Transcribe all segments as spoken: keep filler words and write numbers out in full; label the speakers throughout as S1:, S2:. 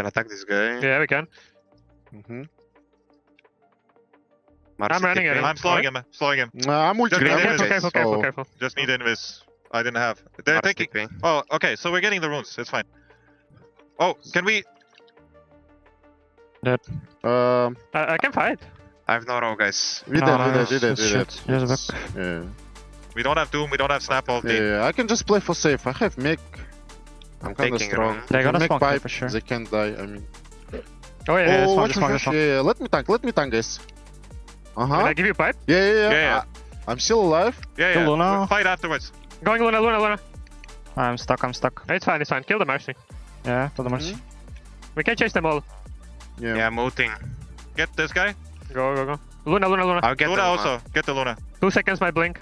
S1: can attack this guy.
S2: Yeah, we can.
S3: Mm-hmm.
S1: Mars
S2: I'm running
S1: TP.
S2: it.
S4: I'm slowing him, slowing him.
S3: Nah, I'm ulti.
S4: Just
S3: I'm
S4: need
S2: Careful,
S3: ulti.
S2: careful, careful,
S3: So-
S2: careful.
S4: Just need invis. I didn't have. They're
S1: Mars
S4: taking.
S1: TP.
S4: Oh, okay. So we're getting the runes. It's fine. Oh, can we?
S3: Um,
S2: I, I can fight.
S1: I have no row, guys.
S3: we did,
S5: No,
S3: we
S5: no,
S3: did, we did, we
S5: shit.
S3: did.
S5: Just back.
S3: Yeah.
S4: We don't have Doom. We don't have Snap
S3: Yeah,
S4: ulti.
S3: yeah, I can just play for safe. I have mech. I'm kinda
S1: taking
S3: strong.
S1: room.
S5: They're
S3: If
S5: gonna
S3: mech
S5: smoke me
S3: pipe,
S5: for sure.
S3: They can't die, I mean.
S2: Oh yeah,
S5: Yeah,
S2: yeah.
S5: it's
S3: oh,
S5: fine,
S3: what
S5: it's
S3: the
S5: fine,
S3: heck?
S5: it's fine.
S3: Yeah, yeah, let me tank, let me tank, guys.
S2: Can
S3: Uh-huh.
S2: I give you a pipe?
S3: Yeah, yeah, yeah.
S4: Yeah, yeah.
S3: I- I'm still alive.
S4: Yeah,
S5: Kill
S4: yeah.
S5: Luna.
S4: We'll fight afterwards.
S2: Going Luna, Luna, Luna.
S5: I'm stuck, I'm stuck.
S2: It's fine, it's fine. Kill the Mercy.
S5: Yeah, to the mercy.
S3: Mhm.
S2: We can chase them all.
S3: Yeah.
S1: Yeah, I'm ulting.
S4: Get this guy.
S2: Go, go, go. Luna, Luna, Luna.
S1: I'll get
S4: Luna
S1: the
S4: also. Get the Luna.
S2: Two seconds, my blink.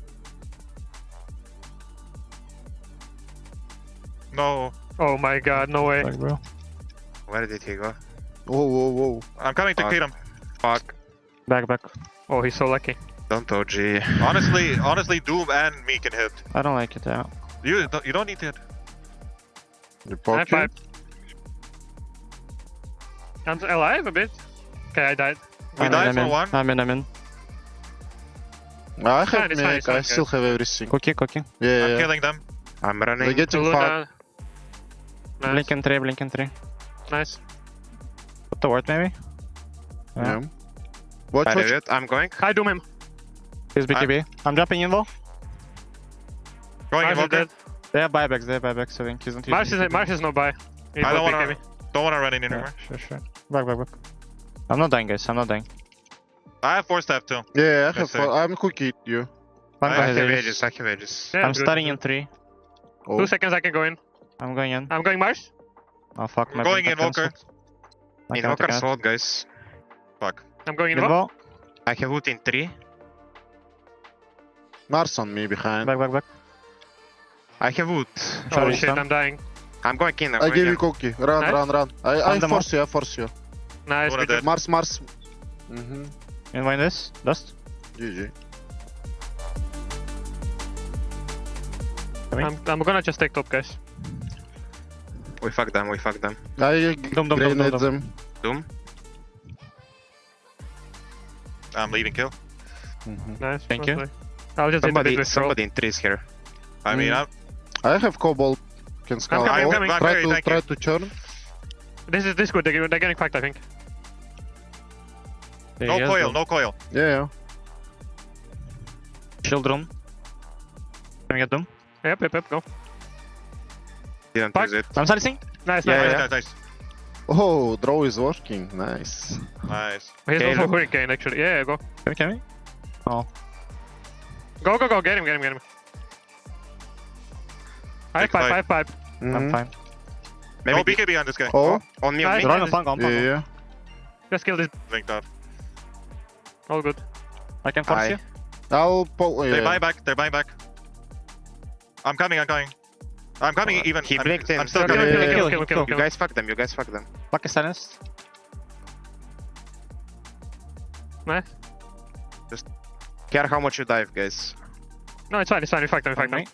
S4: No.
S2: Oh my god, no way.
S5: Like, bro.
S1: Where did he go?
S3: Whoa, whoa, whoa.
S4: I'm coming to
S1: Fuck.
S4: kill him.
S1: Fuck.
S5: Back, back.
S2: Oh, he's so lucky.
S1: Don't O G.
S4: Honestly, honestly, Doom and me can hit.
S5: I don't like it, yeah.
S4: You don't, you don't need to hit.
S3: You
S2: High
S3: poke
S2: five. I'm alive a bit. Okay, I died.
S4: We
S5: I'm
S4: died
S5: in,
S4: for
S5: I'm in.
S4: one.
S5: I'm in, I'm in.
S3: I have
S2: fine, it's fine,
S3: mech,
S2: it's fine,
S3: I still have everything.
S5: Cookie, cookie.
S3: Yeah,
S4: I'm
S3: yeah.
S4: killing them.
S1: I'm
S3: They're
S1: running.
S3: getting fucked.
S2: Luna. Nice,
S5: Blink and three, blink and three.
S2: nice.
S5: Put the ward maybe.
S3: Yeah. Watch,
S1: Bad
S3: watch.
S1: idiot. I'm going.
S2: I doom him.
S5: He's B K B. I'm jumping in though.
S4: Going
S2: Mars is
S4: Invoker.
S2: dead.
S5: They have buybacks, they have buybacks, I think he's not using
S2: Mars is,
S5: B K B.
S2: Mars is no buy. He
S4: I don't
S2: both
S4: wanna,
S2: B K B.
S4: don't wanna run in
S5: Yeah,
S4: anymore.
S5: sure, sure. Back, back, back. I'm not dying, guys, I'm not dying.
S4: I have four step too.
S3: Yeah, I
S4: Yes,
S3: have.
S4: sir.
S3: I'm cookie you.
S5: I'm
S4: I
S1: I
S5: going
S1: have
S5: Aegis.
S1: ages. I have ages.
S2: Yeah,
S5: I'm
S2: good,
S5: starting
S2: good.
S5: in three.
S3: Oh.
S2: Two seconds, I can go in.
S5: I'm going in.
S2: I'm going Mars.
S5: Oh fuck,
S4: We're
S5: my
S4: going
S5: blink got
S4: Invoker.
S5: cancelled. I can't, I
S1: Invoker
S5: can't.
S1: slot, guys.
S4: Fuck.
S2: I'm going in. Invo.
S5: Invo.
S1: I have ult in three.
S3: Mars on me behind.
S5: Back, back, back.
S1: I have ult.
S2: Oh
S5: Sorry,
S2: shit,
S5: son.
S2: I'm dying.
S1: I'm going in. I'm
S3: I
S1: going
S3: give you
S1: in.
S3: cookie. Run,
S2: Nice.
S3: run, run. I, I
S5: Found them
S3: force you, I force you.
S2: Nice.
S4: Luna
S2: we did.
S4: dead.
S3: Mars, Mars. Mm-hmm.
S5: Invite this. Dust.
S3: G G.
S5: Coming.
S2: I'm, I'm gonna just take top, guys.
S1: We fuck them. We fuck them.
S3: I
S5: Dum, dum, dum,
S3: grenade
S5: dum,
S3: them.
S1: Doom.
S4: I'm leaving kill.
S3: Mhm.
S2: Nice.
S5: Thank you.
S2: nice. I'll just hit a bit
S1: Somebody.
S2: with troll.
S1: Somebody in trees here.
S4: I mean,
S3: Mm.
S4: I'm,
S3: I have cobalt. Can scout.
S2: coming, I'm
S3: all.
S2: coming.
S4: I'm
S3: Try
S4: very
S3: to
S4: tanky.
S3: try to churn.
S2: This is this good. They're, they're getting fucked, I think.
S5: There
S4: no
S5: he is,
S4: coil,
S5: though.
S4: no coil.
S3: Yeah, yeah.
S5: Children. Can we get them?
S2: Yep, yep, yep. Go.
S1: Didn't
S2: Fuck.
S1: use it.
S5: I'm silencing.
S2: Nice,
S1: Yeah,
S2: nice.
S4: Nice,
S1: yeah.
S4: nice, nice.
S3: Oh, draw is working. Nice.
S4: Nice.
S2: He's
S1: Okay,
S2: also
S1: look.
S2: hurricane, actually. Yeah, yeah, go.
S5: Can we, can we? Oh.
S2: Go, go, go. Get him, get him, get him. I have
S4: Big
S2: pipe,
S4: fight.
S2: I have pipe.
S5: I'm
S3: Mhm.
S5: fine.
S1: Maybe
S4: No B K B on this guy.
S3: Oh,
S1: on me. On
S2: Nice.
S1: me.
S5: They're on the flank, on
S3: yeah,
S5: flank.
S3: yeah.
S2: Just kill this.
S4: Linked up.
S2: All good.
S5: I can force
S1: Aye.
S5: you.
S3: I'll pull.
S4: They
S3: Yeah.
S4: buy back, they buy back. I'm coming, I'm coming. I'm coming
S1: Uh,
S4: even.
S1: he
S4: I'm,
S1: blinked in.
S4: I'm still
S2: Kill him,
S4: coming.
S2: kill him,
S3: Yeah,
S2: kill
S5: yeah,
S2: him, kill him,
S1: You
S2: kill him.
S1: guys fuck them. You guys fuck them.
S5: Fuck is silenced.
S2: Nice.
S1: Care how much you dive, guys.
S2: No, it's fine, it's fine. We fucked them, we fucked them.
S5: Me.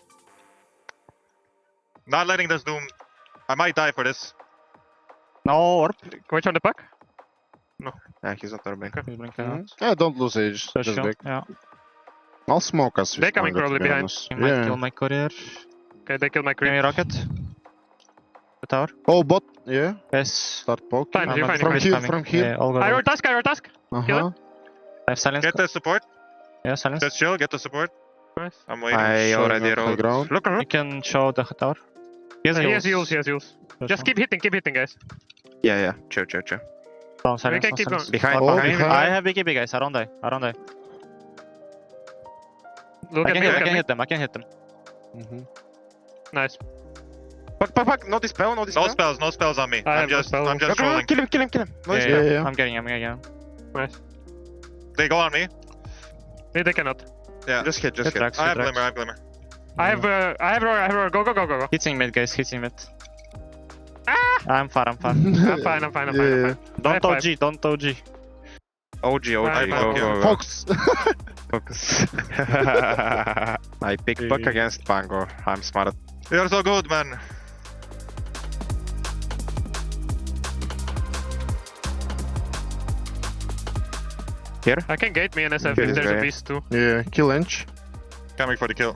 S4: Not letting this Doom. I might die for this.
S5: No orb.
S2: Can we turn the puck?
S1: Yeah, he's not orbing.
S5: He's blinking
S3: Mhm.
S5: out.
S3: Yeah, don't lose age.
S5: So
S3: Just
S5: shield.
S3: back.
S5: Yeah.
S3: I'll smoke us. if
S2: They're coming
S3: you want, to
S2: probably
S3: be
S2: behind.
S3: honest.
S5: He might
S3: Yeah.
S5: kill my courier.
S2: Okay, they killed my
S5: Give me
S2: creep.
S5: rocket. The tower.
S3: Oh, bot. Yeah.
S5: Yes.
S3: Start poking.
S2: Fine,
S5: I'm
S2: you're
S5: not-
S2: fine,
S3: From
S2: you're
S5: it's
S3: here,
S5: coming.
S3: from here.
S5: Yeah, all good.
S2: I
S5: all
S2: roll task, I roll task.
S3: Uh
S2: Kill
S3: huh.
S2: it.
S5: I have silence.
S4: Get the support.
S5: Yeah, silence.
S4: Just chill, get the support.
S2: Nice.
S4: I'm waiting.
S1: I
S3: Showing
S1: already
S3: up high
S1: rolled.
S3: ground.
S1: Look,
S5: You
S1: look.
S5: can show the tower. He has
S2: He
S5: heals.
S2: has heals, he has heals.
S5: That's
S2: Just
S5: fine.
S2: keep hitting, keep hitting, guys.
S1: Yeah, yeah. Chill, chill, chill.
S5: Don't silence.
S2: can
S5: don't
S2: keep
S5: silence.
S2: going.
S1: Behind,
S3: Oh,
S1: behind.
S3: behind.
S5: I have B K B, guys. I don't die. I don't die.
S2: Look
S5: I
S2: at
S5: can,
S2: me,
S5: hit,
S2: look
S5: I
S2: at
S5: can
S2: me.
S5: hit them. I can hit them.
S3: Mhm.
S2: Nice.
S1: Fuck, fuck, fuck. No dispel, no dispel.
S4: No spells, no spells on me.
S2: I
S4: I'm
S2: have no
S4: just,
S2: spells.
S4: I'm just
S1: No, no, no,
S4: rolling.
S1: kill him, kill him, kill him. No
S5: Yeah,
S1: dispel.
S3: yeah, yeah.
S5: I'm getting him. I'm getting him.
S2: Nice.
S4: They go on me.
S2: They, they cannot.
S4: Yeah.
S1: Just hit, just
S5: Hit
S1: hit.
S5: tracks.
S4: I
S5: hit
S4: have
S5: tracks.
S4: glimmer, I have glimmer.
S2: I have, uh, I have roar, I have roar. Go, go, go, go, go.
S5: Hitting mid, guys. Hitting mid.
S2: Ah!
S5: I'm far. I'm far.
S2: I'm fine, I'm fine, I'm fine, I'm
S3: Yeah.
S2: fine.
S5: Don't
S2: High
S5: O G. Don't O G.
S1: O G, O G.
S2: I
S1: Go,
S4: block
S1: go,
S4: you.
S1: go.
S3: Fox.
S1: Focus. I pick puck against Pango. I'm smart.
S4: You're so good, man.
S1: Here?
S2: I can gate me and S F
S1: Here
S2: if
S1: is
S2: there's a
S1: guy.
S2: beast too.
S3: Yeah, kill Inch.
S4: Coming for the kill.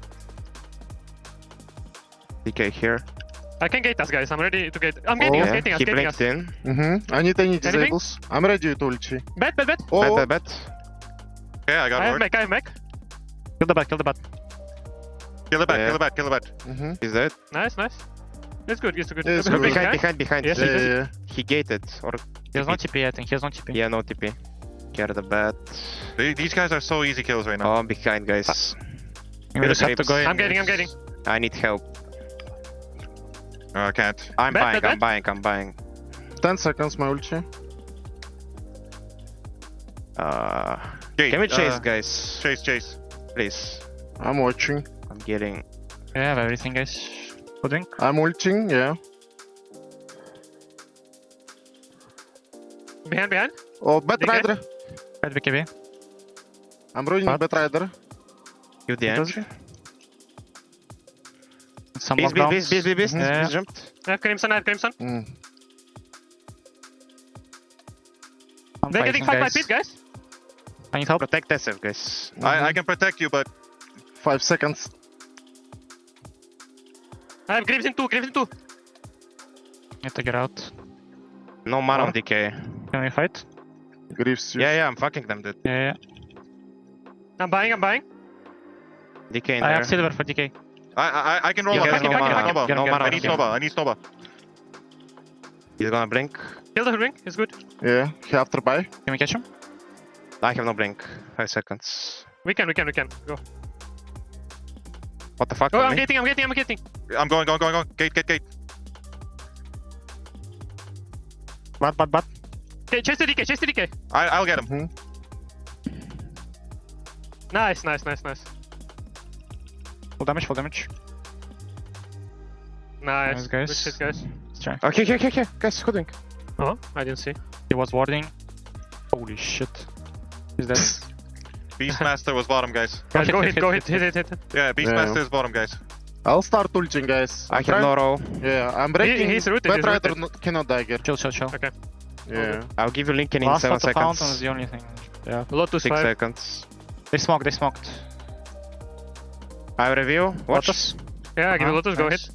S1: D K here.
S2: I can gate us, guys. I'm ready to gate. I'm gating
S3: Oh,
S2: us,
S1: Yeah,
S2: gating us,
S1: he
S2: gating us.
S1: blinked in.
S3: Mm-hmm. I need any
S2: Anything?
S3: disables. I'm ready to ulti.
S2: Bet, bet, bet.
S3: Oh,
S1: Bet, bet, bet.
S4: Okay, I got
S2: I have
S4: word.
S2: mech, I have mech.
S5: Kill the bat, kill the bat.
S4: Kill the bat,
S1: Yeah.
S4: kill the bat, kill the bat.
S3: mm-hmm.
S1: He's dead.
S2: Nice, nice. It's good, it's good.
S3: Yeah, it's
S2: Good
S3: good.
S2: big
S1: Behind,
S2: guy.
S1: behind, behind.
S2: Yes,
S3: Yeah,
S1: He-
S3: yeah, yeah.
S1: He gated. Or
S5: He has no T P, I think. He has no T P.
S1: yeah, no T P. Care the bat.
S4: They- These guys are so easy kills right now.
S1: Oh, behind, guys.
S5: We just have to
S1: creeps.
S5: go in.
S2: I'm getting, I'm getting.
S1: I need help.
S4: Oh, I can't.
S1: I'm
S2: Bet,
S1: buying,
S2: bet,
S1: I'm
S2: bet.
S1: buying, I'm buying.
S3: ten seconds, my ulti.
S1: Uh,
S4: Gate,
S1: can we chase,
S4: uh,
S1: guys?
S4: Chase, chase.
S1: Please.
S3: I'm watching.
S1: I'm getting.
S5: We have everything, guys. Pudding.
S3: I'm ulting, yeah.
S2: Behind, behind.
S3: Oh, Bat
S2: D K?
S3: Rider.
S5: Bad B K B.
S3: I'm running
S5: What?
S3: Bat Rider.
S1: You the
S5: Does-
S1: end.
S5: Some
S1: Beast, beast,
S5: lockdowns.
S1: beast, beast, beast, beast.
S5: Yeah.
S1: Beast jumped.
S2: I have Crimson, I have Crimson.
S3: Mm.
S5: I'm
S2: They're getting
S5: fighting,
S2: fucked by pit, guys.
S5: I need help.
S1: Protect S F, guys.
S4: I, I can protect you, but
S3: Five seconds.
S2: I have Crimson two, Crimson two.
S5: Need to get out.
S1: No mana on
S5: What?
S1: D K.
S5: Can we fight?
S3: Greaves.
S1: Yeah, yeah, I'm fucking them, dude.
S5: Yeah, yeah.
S2: I'm buying, I'm buying.
S1: D K in
S5: I
S1: there.
S5: have silver for D K.
S4: I I, I can roll
S1: He
S4: one.
S1: has
S4: I can
S1: no
S4: back it,
S1: mana.
S4: back it,
S5: Get him,
S1: No
S5: get him,
S1: mana
S4: I
S1: on
S4: need
S1: him.
S4: Soba, I need Soba.
S1: He's gonna blink.
S2: Kill the ring, it's good.
S3: Yeah, he after buy.
S5: Can we catch him?
S1: I have no blink. Five seconds.
S2: We can, we can, we can. Go.
S1: What the fuck?
S2: Oh,
S1: on
S2: I'm
S1: me?
S2: getting, I'm getting, I'm getting.
S4: I'm going, going, going, going. Gate, gate, gate.
S5: Bat, bat, bat.
S2: Okay, chase the D K, chase the D K.
S4: I, I'll get him.
S3: Mm-hmm.
S2: Nice, nice, nice, nice.
S5: Full damage, full damage.
S2: Nice.
S5: Nice, guys.
S2: Good shit, guys.
S5: Let's try.
S1: Okay, okay, okay, okay. Guys, hoodwink.
S2: Oh, I didn't see.
S5: He was warding. Holy shit. He's dead.
S4: Beastmaster was bottom, guys.
S2: Guys,
S5: hit,
S2: go
S5: hit,
S2: hit, go
S5: hit,
S2: hit, hit, hit, hit.
S4: Yeah, Beastmaster is bottom, guys.
S3: I'll start ulting, guys.
S1: I
S3: I'm
S1: have no
S3: trying-
S1: roll.
S3: Yeah, I'm breaking.
S2: he's rooted,
S3: Bat
S2: he's
S3: Rider
S2: rooted.
S3: no- cannot dagger.
S5: Chill, chill, chill.
S2: Okay.
S3: Yeah.
S1: I'll give you Lincoln in
S5: Last
S1: seven
S5: of the fountain is
S1: seconds.
S5: the only thing. Yeah.
S2: Lotus
S1: Six
S2: five.
S1: seconds.
S5: They smoked, they smoked.
S1: I review. Watch.
S5: Lotus.
S2: Yeah, give
S5: Uh-huh,
S2: me Lotus, go
S5: nice.
S2: hit.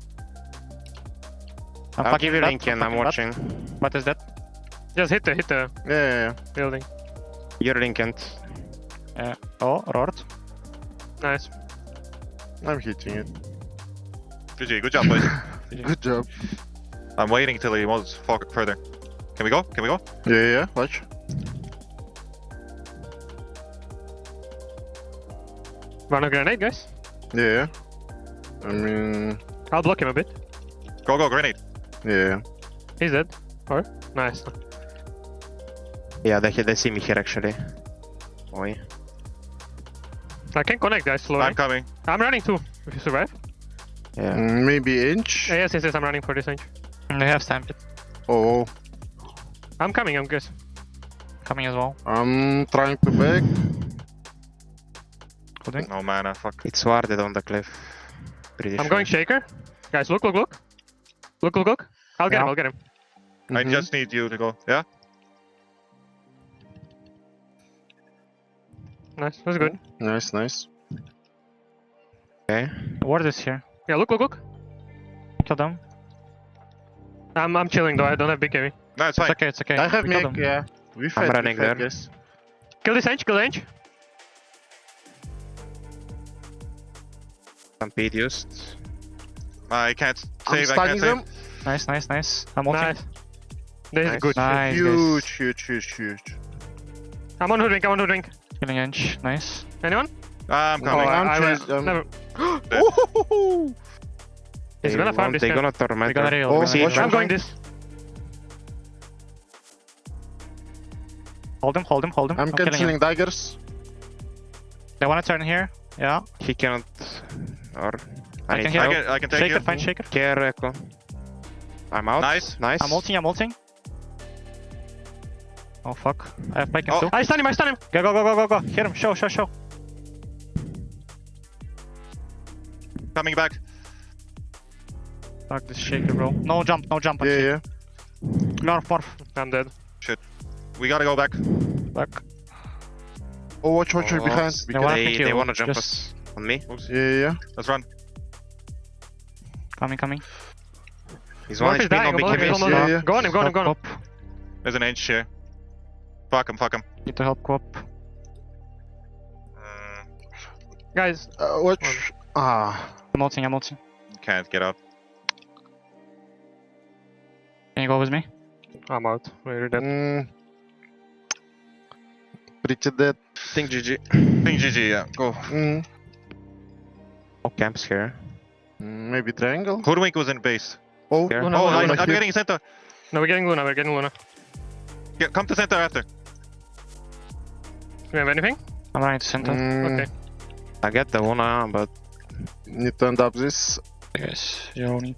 S5: I'm
S1: I'll
S5: fucking
S1: give you
S5: bat,
S1: Lincoln. I'm
S5: fucking bat.
S1: watching.
S5: What is that?
S2: Just hit the, hit the
S3: Yeah, yeah, yeah.
S2: building.
S1: You're Lincoln.
S5: Yeah. Oh, roared.
S2: Nice.
S3: I'm hitting it.
S4: G G, good job, boys.
S3: Good job.
S4: I'm waiting till he moves far- further. Can we go? Can we go?
S3: Yeah, yeah, watch.
S2: Run a grenade, guys.
S3: Yeah, yeah. I mean,
S2: I'll block him a bit.
S4: Go, go, grenade.
S3: yeah.
S2: He's dead. Or? Nice.
S1: Yeah, they, they see me here actually. Oi.
S2: I can connect, guys, slowly.
S4: I'm coming.
S2: I'm running too, if you survive.
S1: Yeah.
S3: Mm, Maybe Inch.
S2: Yeah, yes, yes, yes, I'm running for this range.
S5: They have stamped.
S3: Oh,
S2: I'm coming, I'm guess.
S5: Coming as well.
S3: I'm trying to back.
S5: Pudding.
S4: No mana, fuck.
S1: It's warded on the cliff. Pretty
S2: I'm
S1: sure.
S2: going Shaker. Guys, look, look, look. Look, look, look. I'll get
S5: Yeah.
S2: him, I'll get him.
S4: I
S3: Mhm.
S4: just need you to go. Yeah?
S2: Nice, that's good.
S3: Nice, nice.
S1: Okay.
S5: The ward is here.
S2: Yeah, look, look, look.
S5: Kill them.
S2: I'm, I'm chilling though, I don't have big heavy.
S4: No, it's
S5: It's
S4: fine.
S5: okay, it's okay.
S3: I have
S5: We killed
S3: make,
S5: them.
S3: yeah. We fight, we
S1: running
S3: fight,
S1: there.
S3: guys.
S2: Kill this range, kill the range.
S1: Stampede used.
S4: I can't
S3: I'm
S4: save, I
S3: stunning
S4: can't
S3: them.
S4: save.
S5: Nice, nice, nice. I'm ulting.
S2: Nice. This is
S1: Nice.
S2: good.
S5: Nice,
S3: Huge,
S5: guys.
S3: huge, huge, huge.
S2: I'm on hoodwink, I'm on hoodwink.
S5: Killing Inch. Nice.
S2: Anyone?
S4: I'm
S2: Oh,
S4: coming.
S3: I'm
S2: I, I,
S3: chased,
S2: will-
S3: um,
S2: never.
S3: Oh,
S2: He's
S1: They
S2: gonna farm
S1: want-
S2: this
S1: They
S2: guy.
S1: gonna torment.
S5: We got
S1: her.
S5: a
S3: Oh,
S5: real.
S1: We see
S3: watch
S1: each
S3: out.
S2: I'm
S1: other.
S2: going this.
S5: Hold him, hold him, hold him.
S3: I'm
S5: killing him.
S3: canceling daggers.
S5: They wanna turn here. Yeah.
S1: He cannot. Or. I,
S5: I
S1: need
S5: can hear
S4: I
S1: help.
S4: can, I can take
S5: Shaker,
S4: you.
S5: find Shaker.
S1: Care Echo. I'm out.
S4: Nice.
S1: Nice.
S5: I'm ulting, I'm ulting. Oh fuck. I have Pike him
S4: Oh.
S5: too.
S2: I stun him, I stun him.
S5: Go, go, go, go, go, go. Hit him. Show, show, show.
S4: Coming back.
S5: Fuck this Shaker, bro. No jump, no jump.
S3: Yeah, yeah.
S5: Morph, morph.
S2: I'm dead.
S4: We gotta go back.
S5: Back.
S3: Oh, watch, watch,
S1: Oh,
S3: behind.
S5: They
S3: Be
S5: wanna
S3: careful.
S1: They,
S5: pick
S1: they
S5: you,
S1: wanna jump
S5: just-
S1: us on me.
S4: Oops.
S3: Yeah, yeah, yeah.
S4: Let's run.
S5: Coming, coming.
S1: He's one
S2: Morph is
S1: H P, no
S2: dying.
S1: big
S2: Morph is
S1: heavies.
S2: almost
S3: Yeah,
S2: down.
S3: yeah.
S2: Go on him, go on him, go on him.
S5: Help,
S4: There's an H here. Fuck him, fuck him.
S5: need to help Quap.
S4: Mm,
S2: Guys,
S3: Uh, watch. Ah.
S5: I'm ulting, I'm ulting.
S4: can't get out.
S5: Can you go with me?
S2: I'm out. We're dead.
S3: Mm. Pretty dead.
S1: Think G G.
S4: Ping G G, yeah. Go.
S3: Mm.
S1: No camps here.
S3: Mm, Maybe triangle.
S4: Hoodwink was in base.
S3: Oh,
S2: Yeah.
S4: Oh,
S2: no,
S4: I'm,
S2: no,
S4: I'm
S3: here.
S4: getting center.
S2: No, we're getting Luna, we're getting Luna.
S4: Get, come to center after.
S2: Do we have anything?
S5: I'm running to center.
S3: Mm,
S2: Okay.
S1: I get the Luna, but
S3: Need to end up this.
S5: Guys, Johnny.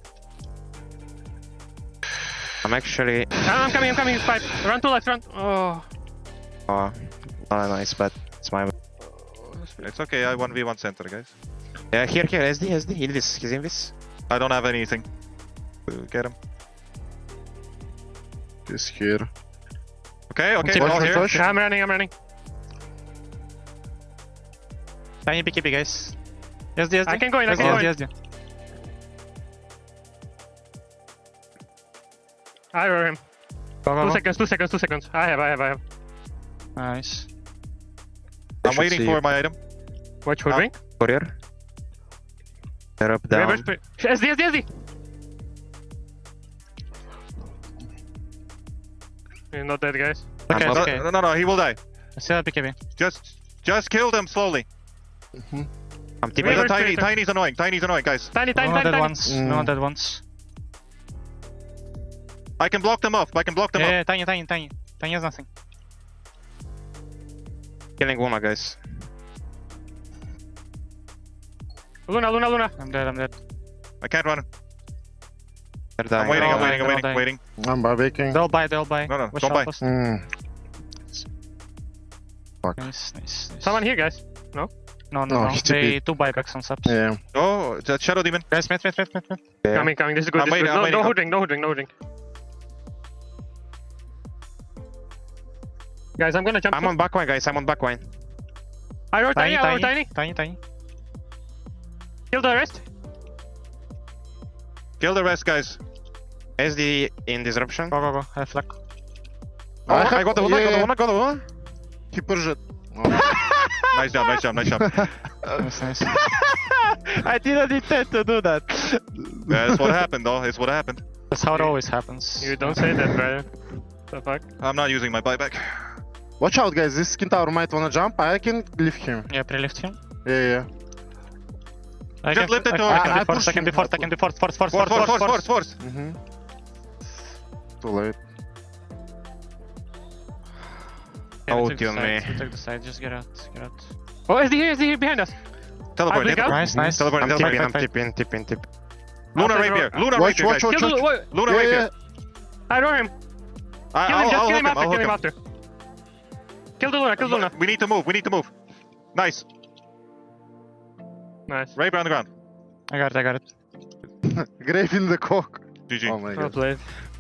S1: I'm actually.
S2: Ah, I'm coming, I'm coming, fight. Run to left, run. Oh.
S1: Oh, not a nice bet. It's my.
S4: It's okay, I one v one center, guys.
S1: Yeah, here, here, S D, S D. Invis, he's Invis.
S4: I don't have anything. Uh, Get him.
S3: He's here.
S4: Okay, okay,
S3: Watch,
S4: all
S3: watch,
S4: here.
S3: watch.
S2: I'm running, I'm running.
S5: Tiny B K B, guys. Yes, D, yes,
S2: I can go in, I
S5: yes,
S2: can go in.
S5: yes, yes.
S2: I roar him.
S5: Go, go,
S2: Two
S5: go.
S2: seconds, two seconds, two seconds. I have, I have, I have.
S5: Nice.
S1: They
S4: I'm
S1: should
S4: waiting
S1: see
S4: for
S1: you.
S4: my item.
S2: Watch Hoodwink.
S1: Courier. They're up, down.
S2: Where's P- S D, S D, S D! You're not dead, guys.
S5: Okay,
S1: I'm
S5: it's
S1: up.
S5: okay.
S4: No, no, no, he will die.
S5: I still have B K B.
S4: Just, just kill them slowly.
S3: Mhm.
S1: I'm
S2: Wait,
S1: TPing.
S4: Where's
S2: wait,
S4: Tiny?
S2: wait.
S4: Tiny's annoying. Tiny's annoying, guys.
S2: Tiny, tiny,
S5: No
S2: tiny,
S5: dead
S2: tiny.
S5: ones.
S3: Mm.
S5: No dead ones.
S4: I can block them off. I can block them
S5: Yeah,
S4: off.
S5: yeah, tiny, tiny, tiny. Tiny has nothing.
S1: Killing Luna, guys.
S2: Luna, Luna, Luna.
S5: I'm dead, I'm dead.
S4: I can't run.
S1: They're dying.
S4: I'm waiting.
S5: all
S4: I'm waiting. I'm
S5: dying, they're
S4: waiting.
S5: all
S4: Waiting.
S3: I'm barbecuing.
S5: They'll buy, they'll buy.
S4: No, no,
S5: Watch
S4: don't
S5: out,
S4: buy.
S5: first.
S3: Mm.
S5: Nice, nice, nice.
S2: Someone here, guys.
S5: No, no,
S3: No,
S5: no.
S3: he took
S5: They
S3: it.
S5: two buybacks on subs.
S3: Yeah.
S4: Oh, that Shadow Demon.
S5: Guys, mid, mid, mid, mid, mid.
S1: Yeah.
S2: Coming, coming. This is good.
S4: I'm
S2: This is
S4: waiting,
S2: good.
S4: I'm
S2: No,
S4: waiting,
S2: no
S4: I'm-
S2: hoodwink, no hoodwink, no hoodwink. Guys, I'm gonna jump.
S1: I'm on backline, guys. I'm on backline.
S2: I roar tiny,
S5: Tiny,
S2: I roar
S5: tiny,
S2: tiny.
S5: tiny, tiny.
S2: Kill the rest.
S4: Kill the rest, guys.
S1: S D in disruption.
S5: Go, go, go. I have flag.
S1: Oh,
S3: I have-
S1: I got the Luna, I got
S3: yeah.
S1: the Luna, got the Luna.
S3: He pushed it. Oh.
S4: Nice job. Nice job. Nice job.
S5: Nice, nice.
S1: I didn't intend to do that.
S4: That's what happened, though. It's what happened.
S5: That's how it always happens.
S2: You don't say that, brother. The fuck?
S4: I'm not using my buyback.
S3: Watch out, guys. This skin tower might wanna jump. I can lift him.
S5: Yeah, pre-lift him.
S3: Yeah, yeah.
S5: I
S4: Just
S5: can,
S4: lift it
S5: I,
S4: to
S5: I,
S4: him.
S5: can
S3: I
S5: be force,
S3: push
S5: I can
S3: him.
S5: be force, I can be force, force, force,
S4: Force,
S5: force,
S4: force, force, force, force.
S3: Mm-hmm. Too late.
S5: Yeah, we
S1: Oh,
S5: took the
S1: dear me.
S5: side, we took the side, just get out, get out.
S2: Oh, S D here, S D here behind us.
S4: Teleport.
S2: blink
S4: hit.
S2: out.
S5: Nice, nice.
S4: Teleport.
S1: I'm
S4: Teleport.
S1: tipping, I'm
S5: fight, fight.
S1: tipping, tipping, tipping.
S4: Luna
S2: After
S4: rapier.
S2: roar-
S4: Luna
S3: Watch,
S4: rapier,
S3: watch,
S4: guys.
S3: watch,
S2: Kill
S3: watch.
S2: the. Wait,
S4: Luna
S3: Yeah,
S4: rapier.
S3: yeah.
S2: I roar him.
S4: I,
S2: Kill him,
S4: I'll,
S2: just
S4: I'll
S2: kill
S4: hook
S2: him
S4: him.
S2: after,
S4: I'll
S2: kill
S4: hook
S2: him
S4: him.
S2: after. Kill the Luna, kill the Luna.
S4: We need to move. We need to move. Nice.
S2: Nice.
S4: Rapier on the ground.
S5: I got it, I got it.
S3: Grave in the cock.
S4: G G.
S3: Oh my
S2: Well
S3: god.
S2: played.